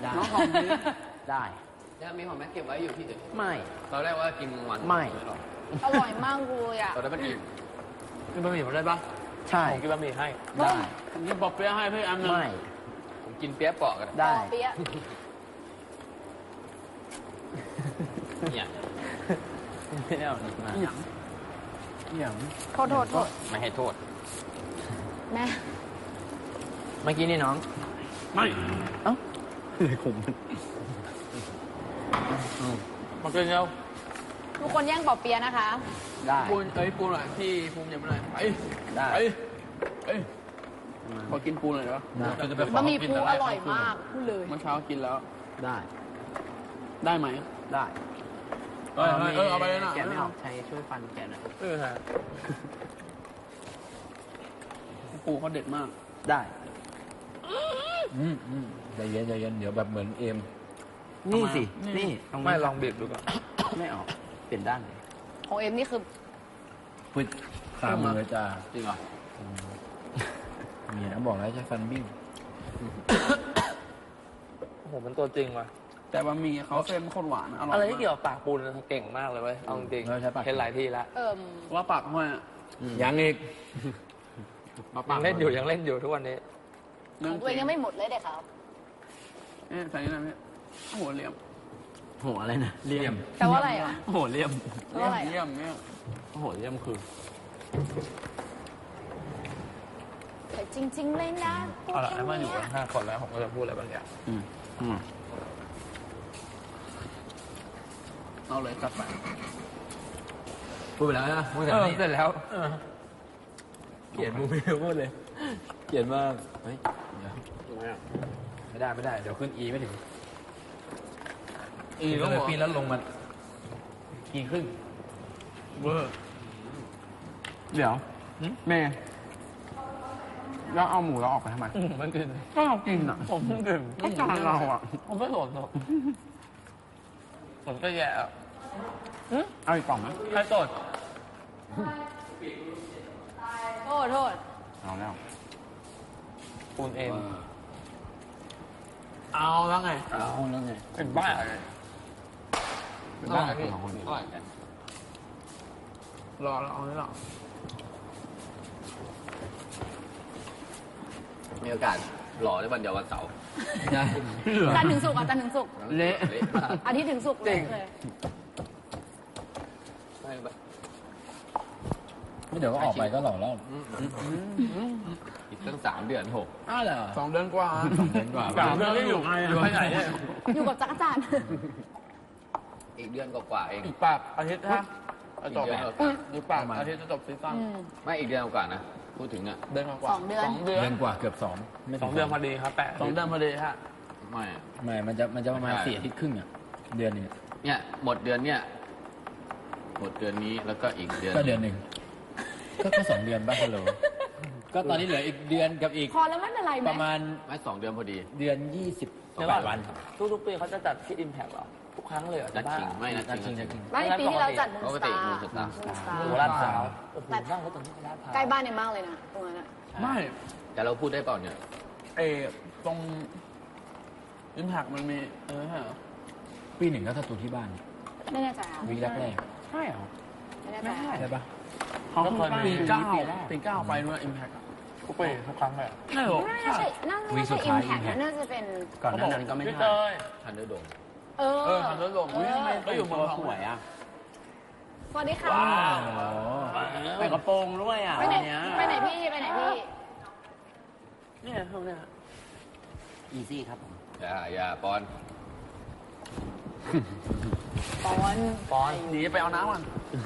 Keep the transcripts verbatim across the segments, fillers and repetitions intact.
น้องหอมนี้ได้จะมีหอมแม่เก็บไว้อยู่ที่อื่นไม่ตอนแรกว่ากินวันไม่อร่อยมากเลยอ่ะตอนนั้นมันอิ่มกินบะหมี่ผมได้ปะใช่ผมกินบะหมี่ให้ได้ผมกินปอเปี๊ยะให้พี่อันนึงไม่ผมกินเปี๊ยะเปาะกันได้เปี๊ยะเนี่ยไม่เอาอีกนะอย่างอย่างโทษโทษโทษไม่ให้โทษแม่เมื่อกี้นี่น้องไม่เอ้าเลยขมมาเกินเร็วทุกคนแย่งปอเปี๊ยะนะคะได้ปูนเอ้ยปูนหน่อยพี่ภูมิยังไม่ได้ไปได้ไปเอ้ยขอกินปูหน่อยเหรอจะไปขบะหมี่ปูอร่อยมากพูดเลยเมื่อเช้ากินแล้วได้ได้ไหมได้เออเออเอาไปเลยนะแกะไม่ออกใช้ช่วยฟันแกะหน่อยเออฮะปูเขาเด็ดมากได้อืมอืมใจเย็นใจเย็นเดี๋ยวแบบเหมือนเอ็มนี่สินี่ไม่ลองบีบดูก่อนไม่ออกเปลี่ยนด้านเลยของเอ็มนี่คือพุดตามมือจ้าจริงเหรอเนี่ยบอกแล้วใช้ฟันบิ้งโอ้โหมันตัวจริงว่ะแต่บะหมี่เขาเส้นข้นหวานอร่อยอะไรที่เกี่ยวกับปากปูนเก่งมากเลยเว้ยเอาจริงเห็นหลายที่แล้วเออว่าปากห้อยยังอีกยังเล่นอยู่ยังเล่นอยู่ทุกวันนี้ของตัวเองยังไม่หมดเลยเด็กครับเอ๊ะใส่นี่นะพี่โหเหลี่ยมโหอะไรนะเลี่ยมแต่ว่าอะไรอ่ะโหเลี่ยมเลี่ยมเลี่ยมเนี่ยโหเลี่ยมคือแต่จริงๆเลยนะเอาละไอ้มาอยู่กันห้าคนแล้วผมก็จะพูดอะไรบางอย่างอืมอืมเอาเลยจัดไปพูดไปแล้วนะพูดเสร็จเสร็จแล้วเกลียดมูไม่พูดเลยเกลียดมากเฮ้ยไม่ได้ไม่ได้เดี๋ยวขึ้นอีไม่ถึงอีก็เลยปีแล้วลงมากี่ครึ่งเวอร์เดี๋ยวแม่แล้วเอาหมูเราออกไปทำไมมันกินก็เรากินอ่ะผมกินก็จานเราอ่ะผมไม่สนหรอกผมก็แย่อ่ะเอาอีกกล่องไหมใครสดโทษโทษเอาแล้วปูนเอ็มเอาแล้วไงเอาแล้วไงเป็นบ้าเป็นบ้าที่ของคนอื่นรอเราเอาไม่หรอมีโอกาสหล่อได้วันเดียววันเสาร์ใช่จันถึงสุกอ่ะจันถึงสุกเละอาทิตย์ถึงสุกเลยไม่เดี๋ยวก็ออกไปก็หล่อแล้วอีกตั้งสามเดือนหกอ้าวเหรอสองเดือนกว่าสองเดือนกว่าสามเดือนที่อยู่อยู่ที่ไหนเนี่ยอยู่กับจักรจันทร์อีกเดือนกว่าเองอีกปากอาทิตย์ฮะจบอีกปากอาทิตย์จะจบซีซั่นไม่อีกเดือนกว่านะพูดถึงอ่ะเดือนกว่าสองเดือนสองเดือนเดือนกว่าเกือบสองสองเดือนพอดีครับแปะสองเดือนพอดีฮะไม่ไม่มันจะมันจะประมาณสี่อาทิตย์ครึ่งอ่ะเดือนนี้เนี่ยหมดเดือนเนี่ยหมดเดือนนี้แล้วก็อีกเดือนก็เดือนหนึ่งก็แค่สองเดือนบ้างฮัลโหลก็ตอนนี้เหลืออีกเดือนกับอีกพอแล้วไม่เป็นไรไหมประมาณไม่สองเดือนพอดีเดือนยี่สิบแปดวันทุกๆปีเขาจะจัดที่ Impact หรอทุกครั้งเลยเหรอนัดชิงไม่นัดชิงไม่ปีที่เราจัดมูนสตาร์มูนสตาร์โอ้ลาดพร้าวแต่นั่งรถตรงนี้ลาดพร้าวใกล้บ้านเนี่ยมากเลยนะตรงนั้นอ่ะไม่แต่เราพูดได้เปล่าเนี่ยเอตรง Impact มันมีเออฮะปีหนึ่งก็ถ้าตัวที่บ้านไม่แน่ใจวีแรกแรกใช่เหรอไม่แน่ใจใช่ปะเขาปีเก้าปีเก้าไปนู่น Impact ทุกปีทุกครั้งเลยไม่หรอน่าใช่น่าไม่ใช่ Impact น่าจะเป็นก่อนหน้านั้นก็ไม่ใช่ทันเดอร์โดมเออเออทันเดอร์โดมก็อยู่เมืองสวยอ่ะสวัสดีค่ะใส่กระโปรงด้วยอ่ะไปไหนไปไหนพี่ไปไหนพี่เนี่ยเท่านี้อีซี่ครับผมอย่าอย่าปอนปอนปอนหนีไปเอาน้ำก่อน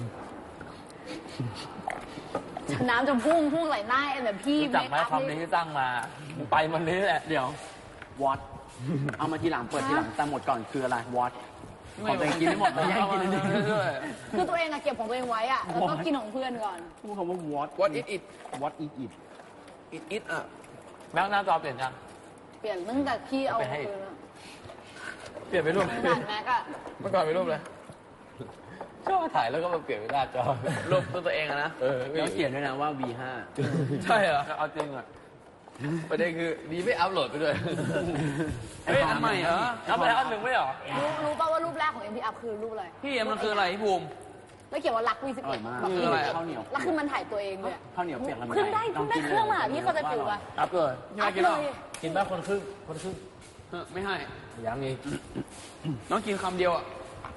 น้ำจะพุ่งพุ่งไหลหน้าเอ็มแบบพี่จับไม้คำนี้ที่ตั้งมาไปมันนี้แหละเดี๋ยววอตเอามาทีหลังเปิดทีหลังแต่หมดก่อนคืออะไรวอตของตัวเองกินไม่หมดเลยให้กินนิดนึงคือตัวเองอะเก็บของตัวเองไว้อะแล้วก็กินของเพื่อนก่อนพูดคำว่า what what it it what it it it it อ่ะแม็กหน้าจอเปลี่ยนยังเปลี่ยนตั้งแต่พี่เอาคืนแล้วเปลี่ยนไปรูปแม็กอะเมื่อก่อนไปรูปเลยชอบถ่ายแล้วก็มาเปลี่ยนเป็นหน้าจอรูปตัวเองนะเออแล้วเขียนด้วยนะว่า วี ห้าใช่เหรอเอาจริงอ่ะประเด็นคือดีไม่อัพโหลดไปด้วยเฮ้ยอันใหม่เหรอเอาไปแล้วอันหนึ่งไม่เหรอรู้รู้ป่าวว่ารูปแรกของ เอ็ม พี อัพคือรูปอะไรพี่เอ็มมันคืออะไรพี่ภูมิแล้วเขียนว่ารักวีสิบเอ็ดแบบคืออะไรอะข้าวเหนียวแล้วคือมันถ่ายตัวเองเลยอะข้าวเหนียวเปียกลำไยขึ้นได้ขึ้นได้เครื่องมาหาพี่เขาจะฟิวป่ะอัพเลยพี่มากินเหรอกินบ้างคนครึ่งคนครึ่งเออไม่ให้ยังอีกน้องกินคำเดียวอ่ะ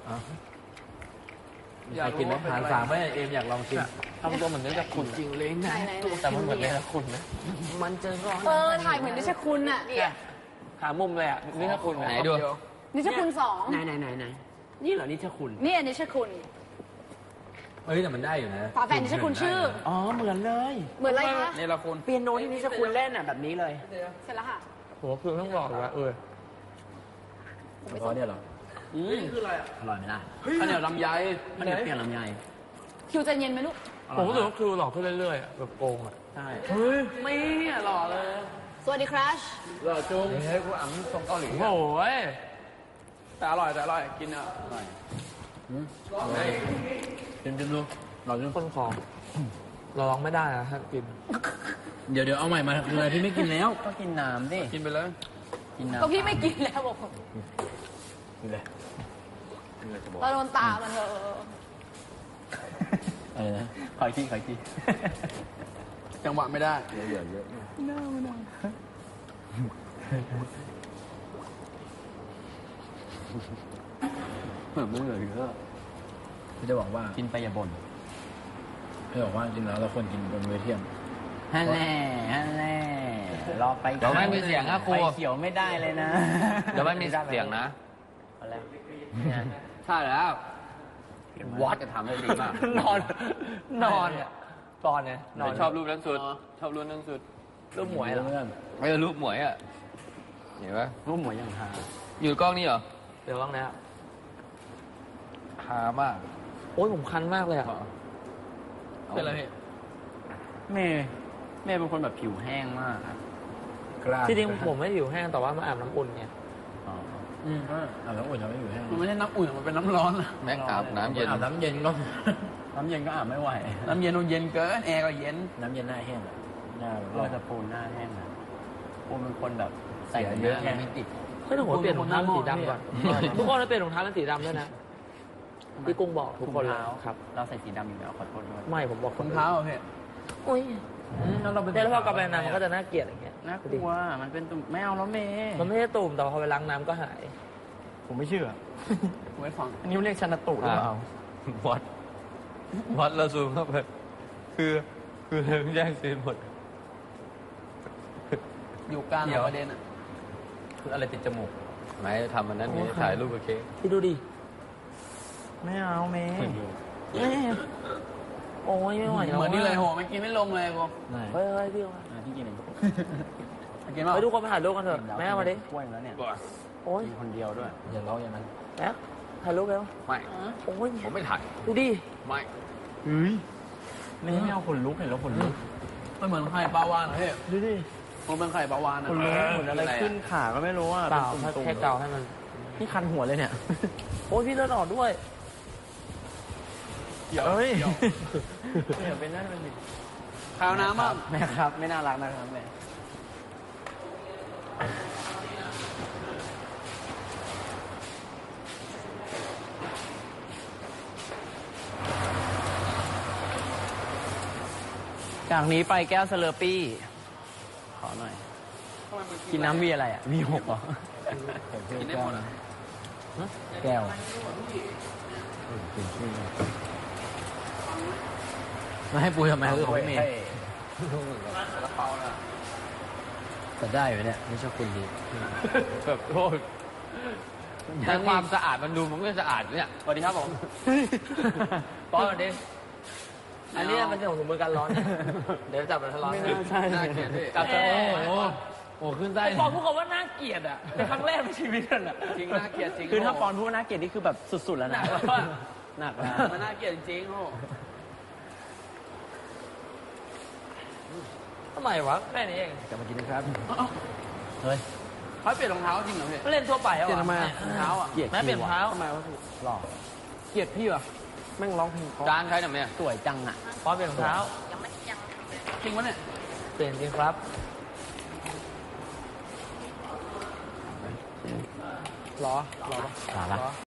อยากกินไหมหารสามไหมเอ็มอยากลองชิมทำตัวเหมือนเนื้อจะขุ่นจริงเลยไหนนะไหนแต่มันเหมือนเนื้อขุ่นนะมันจะร้อนเออถ่ายเหมือนนิชคุณอะเนี่ยหามุมเลยอ่ะเนื้อขุ่นไหนดูนิชคุณสองไหนไหนไหนไหนนี่เหรอนี่เชคุณนี่นิชคุณเอ้ยแต่มันได้อยู่นะฝาแฝดนิชคุณชื่ออ๋อเหมือนเลยเหมือนอะไรคะนี่ละคุณเปียโนที่นี่เชคุณเล่นอ่ะแบบนี้เลยเสร็จแล้วค่ะหัวคือต้องหลอกว่าเออร้อนเนี่ยเหรออืมคืออะไรอ่ะอร่อยไหมล่ะข้าวเหนียวลำไยข้าวเหนียวเปียกลำไยคิวใจเย็นไหมลูกผมรู้สึกว่าคือหลอกขึ้นเรื่อยๆอ่ะแบบโกงอ่ะใช่เฮ้ยไม่อ่ะหล่อเลยสวัสดีครัชหล่อจุงเฮ้ยกูอ่ำทรงเกาหลีโอ้ยแต่อร่อยแต่อร่อยกินอ่ะอร่อยชิมชิมดูเราชิมคนของเราลองไม่ได้อะถ้ากินเดี๋ยวเดี๋ยวเอาใหม่มาเลยพี่ไม่กินแล้วก็กินน้ำดิกินไปเลยกินน้ำก็พี่ไม่กินแล้วบอกกินเลยเราโดนตามันเถอะอะไรนะขออีกทีขออีกทีจังหวะไม่ได้เยอะเยอะเยอะเหมือนไม่เหลือเยอะพี่จะบอกว่ากินไปอย่าบ่นพี่บอกว่าจริงแล้วเราควรกินบนเวทียมฮันแน่ฮันแน่รอไปเดี๋ยวไม่มีเสียงนะครูไปเขียวไม่ได้เลยนะเดี๋ยวไม่มีเสียงนะเอาแล้วใช่แล้ววัดจะทำได้ดีมากนอนนอนเนี่ยตอนเนี่ยนอนชอบรูปนั้นสุด ชอบรูปนั้นสุดรูปหมวยเหรอเรื่องเออรูปหมวยอ่ะเห็นปะรูปหมูอย่างฮาอยู่กล้องนี่เหรอเดี๋ยวบ้างนะครับฮามากโอ้ยผมคันมากเลยอ่ะเป็นอะไรพี่เมย์เมย์เป็นคนแบบผิวแห้งมากอะกล้าที่จริงผมไม่ผิวแห้งแต่ว่ามาอาบน้ำอุ่นไงอ๋ออืมก็อาบน้ำอุ่นทำให้อยู่แห้งมันไม่ใช่น้ำอุ่นมันเป็นน้ำร้อนอะแม็กอาบน้ำเย็นอาบน้ำเย็นก็น้ำเย็นก็อาบไม่ไหวน้ำเย็นมันเย็นเกินแอร์ก็เย็นน้ำเย็นหน้าแห้งอะหน้าแบบเราจะปูนหน้าแห้งนะปูนเป็นคนแบบใส่เยอะแห้งไม่ติดเฮ้ยแต่ผมเปลี่ยนรองเท้าเป็นสีดำก่อนทุกคนเราเปลี่ยนรองเท้าเป็นสีดำด้วยนะพี่กุ้งบอกทุกคนเลยครับเราใส่สีดำอยู่แล้วขอโทษด้วยไม่ผมบอกรองเท้าอ่ะพี่โอ้ยแล้วเราไปแต่แล้วพอกลับไปน้ำมันก็จะน่าเกลียดอย่างเงี้ยน่ากลัวมันเป็นตุ่มไม่เอาแล้วเมย์มันไม่ใช่ตุ่มแต่พอไปล้างน้ำก็หายผมไม่เชื่อผมไม่ฟังอันนี้เรียกชันตุหรือเปล่าวัด วัดแล้วซูมเข้าไป คือ คือเรื่องแย่งซีนหมดอยู่กลางประเด็นอ่ะคืออะไรติดจมูกไม่ทำมันนั้นนี่ถ่ายรูปกับเค้กพี่ดูดิไม่เอาเมย์โอ้ยไม่ไหวแล้วเหมือนนี่เลยโหไม่กินไม่ลงเลยกูไหนเฮ้ยเฮ้ยพี่อ่ะพี่กินเองกินเปล่าไปทุกคนไปถ่ายรูปกันเถอะแม่เอามาดิกล้วยแล้วเนี่ยโอ้ยกินคนเดียวด้วยอย่าร้องอย่างนั้นแม่ถ่ายรูปแล้วไม่โอ้ยผมไม่ถ่ายดูดิไม่เฮ้ยไม่ไม่เอาขนลุกเห็นแล้วขนลุกมันเหมือนไข่ปลาวานเหรอพี่ดูดิมันเป็นไข่ปลาวานอะขนลุกเหมือนอะไรขึ้นขาก็ไม่รู้อ่ะเปล่าเป็นตุ่มๆแค่เกาให้มันนี่คันหัวเลยเนี่ยโอ้ยพี่เลือดออกด้วยเอ้ยเดี๋ยวเป็นนั่นเป็นข้าวน้ำบ้างแม่ครับ ไม่น่ารักนะครับแม่จากนี้ไปแก้วสเลอร์ปี้ ขอหน่อย กินน้ำมีอะไรอ่ะ มีหกเหรอกินได้หมดอ่ะแก้วมาให้ปุยทำไมคือของพี่เมย์แต่ได้อยู่เนี่ยไม่ชอบคุณดีแบบโทษแต่ความสะอาดมันดูมันไม่สะอาดเนี่ยสวัสดีครับผมป้อนดิ อันนี้มันจะของถุงมือกันร้อน เดี๋ยวจับมันทะเลาะไม่น่าใช่น่าเกลียดพี่จับแต่โอ้โหโอ้ขึ้นได้ไอ้ปอนพูดคำว่าน่าเกลียดอ่ะเป็นครั้งแรกในชีวิตนั่นอ่ะจริงน่าเกลียดจริงคือถ้าปอนพูดว่าน่าเกลียดนี่คือแบบสุดๆแล้วหนันะกแล้วอะหนักแล้วมันน่าเกลียดจริงๆโอ้ทำไมวะแค่นี้เองกลับมากินนะครับเฮ้ยเขาเปลี่ยนรองเท้าจริงเหรอพี่ไม่เล่นทั่วไปเหรอเปลี่ยนทำไมอะรองเท้าอ่ะเกลียดแม่เปลี่ยนเท้าทำไมวะพี่หล่อเกลียดพี่เหรอแม่งร้องเพลงเพราะจานใครหน่อยไหมอะสวยจังอ่ะปอนเปลี่ยนรองเท้าจริงวะเนี่ยเปลี่ยนจริงครับรอรอหรอละ